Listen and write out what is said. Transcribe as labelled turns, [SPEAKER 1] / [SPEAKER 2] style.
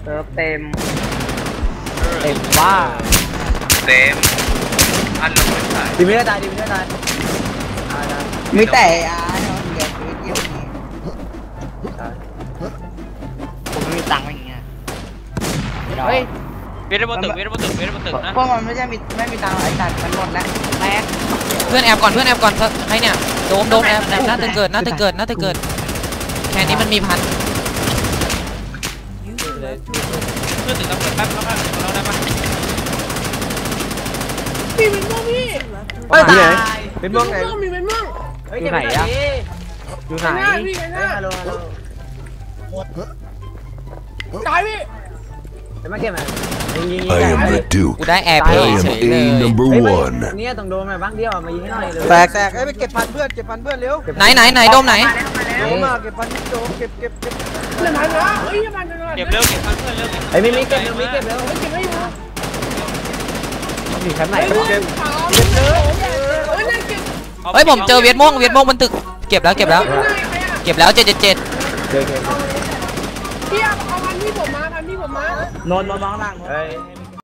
[SPEAKER 1] ซิร์ฟเต็ม
[SPEAKER 2] ว่า
[SPEAKER 3] เต็มอันลงไม่ใส่
[SPEAKER 2] ดีไม่ได้ตายดีไม่ได้ตาย
[SPEAKER 4] มีแต่เหลือชีวิตเดียวนี้ผมไม่มีตังค์อย่างเงี้ย
[SPEAKER 3] เฮ้ยเวทบนตึกนะ
[SPEAKER 4] พวกมันไม่มีตังค์ไอ้สัตว์มันหมดแล้วแม็ก
[SPEAKER 5] เพื่อนแอบก่อนให้เนี่ยโดมแอบน่าจะเกิดแค่นี้มันมีพัน
[SPEAKER 3] เพื่อนตึกตำรวจแป๊บแล้วกันเราได้ปะ
[SPEAKER 1] มีเป็นม่วงพี่
[SPEAKER 2] ตายเป็นม่วงไหน
[SPEAKER 1] มีเป็นม่วง
[SPEAKER 2] อยู่ไหนอะอยู่ไหน
[SPEAKER 1] ฮัลโหลตายพี่
[SPEAKER 2] จะมาเก็บไหม
[SPEAKER 6] I am the Duke
[SPEAKER 5] กูได้แอร์เพย์เฉยเลย
[SPEAKER 6] number one
[SPEAKER 2] เนี่ยต้องโดนมาบ้างเดียวมายิงให้หน่อยเลย
[SPEAKER 4] แตกไปเก็บพันเพื่อนเร็ว
[SPEAKER 5] ไหนโดมไหน
[SPEAKER 4] มาเก็บพันโดมเก็บ
[SPEAKER 1] เดี๋ยวมันนะเฮ้ยมัน
[SPEAKER 3] เก็บเร็วเก็บเพื่อนเร็ว
[SPEAKER 2] ไอ้มีเก็บเร็ว
[SPEAKER 1] เก็บให้ดู
[SPEAKER 2] มันอยู่ชั้นไหน
[SPEAKER 1] เก็บ
[SPEAKER 5] เฮ้ยผมเจอเวียดม่วงบนตึกเก็บแล้ว777
[SPEAKER 1] พี่เอาพันที่ผมมานอนน้องนั่ง
[SPEAKER 2] เฮ้ย